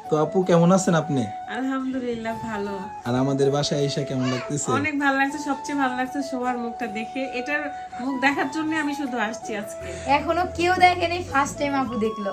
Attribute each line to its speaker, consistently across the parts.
Speaker 1: তো আপু কেমন আছেন আপনি?
Speaker 2: আলহামদুলিল্লাহ ভালো।
Speaker 1: আর আমাদের বাসায় এসে কেমন লাগতেছে?
Speaker 2: অনেক ভালো লাগছে, সবচেয়ে ভালো লাগছে সবার মুখটা দেখে। এটার মুখ দেখার জন্য আমি শুধু আসছি আজকে।
Speaker 3: এখনো কেউ দেখেনি, ফার্স্ট টাইম আপু দেখলো।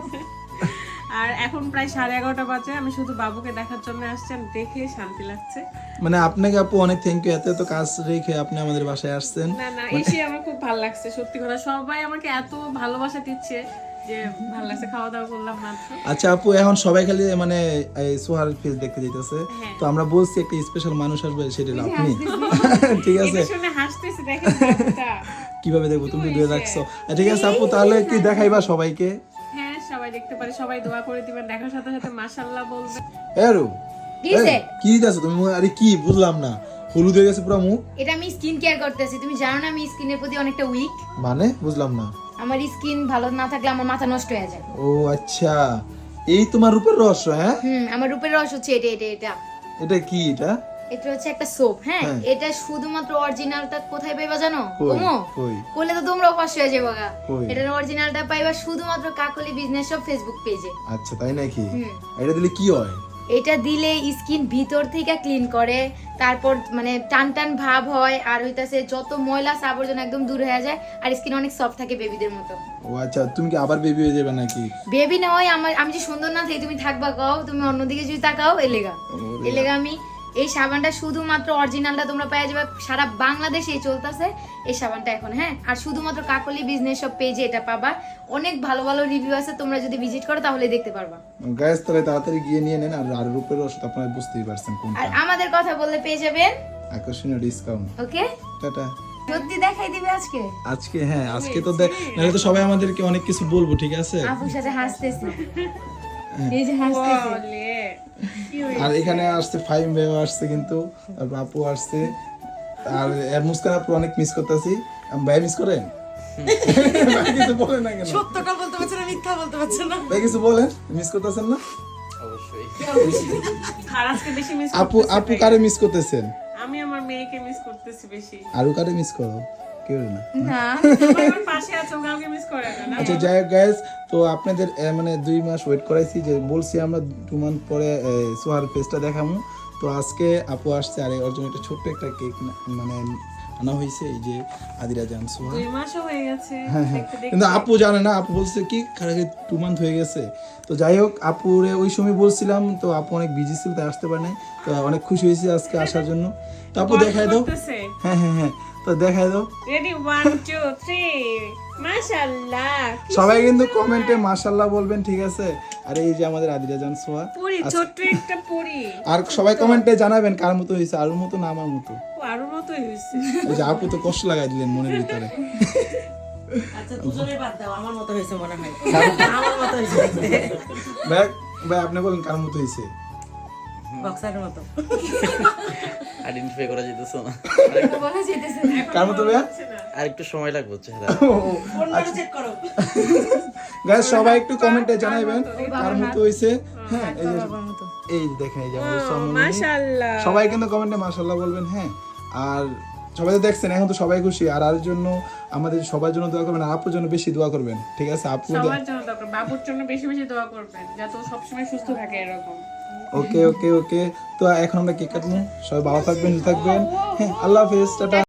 Speaker 2: আর এখন প্রায় 11:30 বাজে, আমি শুধু বাবুকে দেখার জন্য আসছি, আর দেখে শান্তি লাগছে।
Speaker 1: মানে আপনাকে আপু অনেক থ্যাংক ইউ, এত কাজ রেখে আপনি আমাদের বাসায় আসছেন।
Speaker 2: না না, এসে আমার খুব ভালো লাগছে, সত্যি কথা। সবাই আমাকে এত ভালোবাসা দিচ্ছে যে ভালো লাগছে। খাওয়া দাওয়া করলাম মাত্র।
Speaker 1: আচ্ছা আপু, এখন সবাই খালি মানে এই সোহার ফেস দেখতে যাইতেছে,
Speaker 2: হ্যাঁ।
Speaker 1: তো আমরা বলছি একটা স্পেশাল মানুষ আসবে, সেটা হলো আপনি। ঠিক আছে,
Speaker 2: এটা শুনে হাসতেছি, দেখেন বাবুটা।
Speaker 1: কিভাবে দেখবো, তুমি দূরে রাখছো। ঠিক আছে আপু, তাহলে কি দেখাইবা সবাইকে?
Speaker 2: হ্যাঁ, সবাই দেখতে পারে, সবাই দোয়া করে দিবেন, দেখার সাথে সাথে মাশাআল্লাহ বলবেন।
Speaker 1: এরু
Speaker 3: দিছে?
Speaker 1: কি দিতেছো তুমি? আরে কি বুঝলাম না, হলুদ হয়ে গেছে পুরো মুখ।
Speaker 3: এটা আমি স্কিন কেয়ার করতেছি, তুমি জানো না আমি স্কিনের প্রতি অনেকটা উইক।
Speaker 1: মানে বুঝলাম না।
Speaker 3: আমার স্কিন ভালো না থাকলে আমার মাথা নষ্ট হয়ে যায়।
Speaker 1: ও আচ্ছা, এই তোমার রূপের রহস্য? হ্যাঁ,
Speaker 3: আমার রূপের রস হচ্ছে এটা এটা এটা
Speaker 1: এটা কি? এটা
Speaker 3: এটা হচ্ছে একটা সোপ। হ্যাঁ,
Speaker 1: হ্যাঁ।
Speaker 3: এটা শুধুমাত্র অরিজিনালটা কোথায় পাইবা জানো?
Speaker 1: কই?
Speaker 3: ওমো
Speaker 1: কই?
Speaker 3: করলে তো তোমরাও পাশ হয়ে যাবে গা।
Speaker 1: কই?
Speaker 3: এটার অরিজিনালটা পাইবা শুধুমাত্র কাকলি বিজনেস সব ফেসবুক পেজে।
Speaker 1: আচ্ছা তাই নাকি? এটা দিলে কি হয়?
Speaker 3: এটা দিলে স্কিন ভিতর থেকে ক্লিন করে, তারপর মানে টান টান ভাব হয়, আর হইতাছে যত ময়লা আবর্জনা একদম দূর হয়ে যায়, আর স্কিন অনেক সফট থাকে বেবিদের মতো।
Speaker 1: ও আচ্ছা, তুমি কি আবার বেবি হয়ে যাবে নাকি?
Speaker 3: বেবি না হয় আমি যে সুন্দর না থাকি তুমি থাকবা কও, তুমি অন্যদিকে যদি তাকাও এলেগা আমি এই সাবানটা শুধুমাত্র অরিজিনালটা তোমরা পেয়ে যাবে, সারা বাংলাদেশে চলতেছে এই সাবানটা এখন। হ্যাঁ, আর শুধুমাত্র কাকলি বিজনেস সব পেজে এটা পাবা। অনেক ভালো ভালো রিভিউ আছে, তোমরা যদি ভিজিট করো তাহলে দেখতে পারবা।
Speaker 1: গাইস তাহলে তাড়াতাড়ি গিয়ে নিয়ে নেন। আর রূপের রহস্য আপনারা বুঝতেই পারছেন
Speaker 3: আর
Speaker 1: কোনটা।
Speaker 3: আমাদের কথা বললে পেয়ে যাবেন
Speaker 1: আকর্ষণীয় ডিসকাউন্ট।
Speaker 3: ওকে।
Speaker 1: টাটা।
Speaker 3: সত্যি দেখাই দিবে আজকে
Speaker 1: আজকে হ্যাঁ, আজকে তো নাহলে তো সবাই আমাদেরকে অনেক কিছু বলবো। ঠিক আছে,
Speaker 3: আপুর সাথে হাসতেছি, এই যে হাসতেছি।
Speaker 2: বলে কি হয়েছে?
Speaker 1: আর এখানে আসছে ফাইম ভাইও আসছে, কিন্তু তারপর আপু আসছে। আর এর মুস্কান আপু অনেক মিস করতেছি। ভাই মিস করেন? ভাই কিছু বলেন না কেন?
Speaker 2: সত্যটা বলতে পারছে না, মিথ্যা বলতে পারছে না।
Speaker 1: ভাই কিছু বলেন, মিস করতেছেন না?
Speaker 2: আর আজকে বেশি মিস
Speaker 1: আপু আপু কারে মিস করতেছেন?
Speaker 2: আমি আমার মেয়েকে মিস করতেছি বেশি।
Speaker 1: আরো কারে মিস করো? কেউ না।
Speaker 3: না
Speaker 2: আমার পাশে আছে, ও কাউকে মিস করে না।
Speaker 1: আচ্ছা যাই হোক গাইস, তো আপনাদের মানে 2 মাস ওয়েট করাইছি, যে বলছি আমরা 2 মান্থ পরে সোহার পেজটা দেখাবো। তো আজকে আপু আসছে, আর ওর জন্য একটা ছোট্ট একটা কেক মানে আনা হয়েছে, এই যে আদিরা জান সোহা।
Speaker 2: 2 মাসও হয়ে গেছে
Speaker 1: হ্যাঁ হ্যাঁ,
Speaker 2: দেখতে দেখতে।
Speaker 1: কিন্তু আপু জানে না, আপু বলছে কি 2 মান্থ হয়ে গেছে। তো যাই হোক, আপুরে ওই সময় বলছিলাম, তো আপু অনেক বিজি ছিল, তাই আসতে পারে নাই। তো অনেক খুশি হয়েছে আজকে আসার জন্য। তো আপু দেখাই দাও। হ্যাঁ হ্যাঁ হ্যাঁ, তো দেখাই দাও।
Speaker 2: রেডি 1 2 3 মাশাআল্লাহ।
Speaker 1: সবাই কিন্তু কমেন্টে মাশাআল্লাহ বলবেন, ঠিক আছে? আর এই যে আমাদের আদিরা জান সোহা,
Speaker 2: পুরি, ছোট্ট একটা পুরি।
Speaker 1: আর সবাই কমেন্টে জানাবেন কার মতো হয়েছে, আরুর মতো না আমার মতো।
Speaker 2: ও আরো মতোই হয়েছে।
Speaker 1: এই যে আপু তো কষ্ট লাগাই দিলেন মনের ভিতরে।
Speaker 4: আচ্ছা দুজনে বাদ দাও, আমার মতো হয়েছে মনে হয়। আমার মতো হয়েছে দেখতে,
Speaker 1: ভাই ভাই আপনি বলেন কার মতো হয়েছে?
Speaker 4: বক্সারের মতো।
Speaker 5: আইডেন্টিফাই করা যেতেছে না।
Speaker 3: বলা যেতেছে না।
Speaker 1: কার মতো ভাইয়া?
Speaker 5: আর একটু সময় লাগবে চেহারা।
Speaker 4: ফোনটা চেক করো।
Speaker 1: গাইস সবাই একটু কমেন্টে জানাবেন কার মতো হয়েছে। হ্যাঁ, এই যে
Speaker 3: বাবার মতো।
Speaker 1: এই যে দেখেন, এই যে আমাদের সম্মানী।
Speaker 2: মাশাআল্লাহ।
Speaker 1: সবাই কিন্তু কমেন্টে মাশাআল্লাহ বলবেন। হ্যাঁ, আর সবাই তো দেখছেন, এখন তো সবাই খুশি। আর জন্য আমাদের সবার জন্য দোয়া করবেন, আর আপুর জন্য বেশি দোয়া করবেন, ঠিক আছে? আপু
Speaker 2: সবার জন্য দরকার, বাবুর জন্য বেশি বেশি দোয়া করবেন যাতে ও সবসময় সুস্থ থাকে এরকম।
Speaker 1: ওকে ওকে ওকে। তো এখন আমরা কেক কাটবো, সবাই ভালো থাকবেন, সুস্থ থাকবেন। হ্যাঁ, আল্লাহ হাফেজ, টাটা।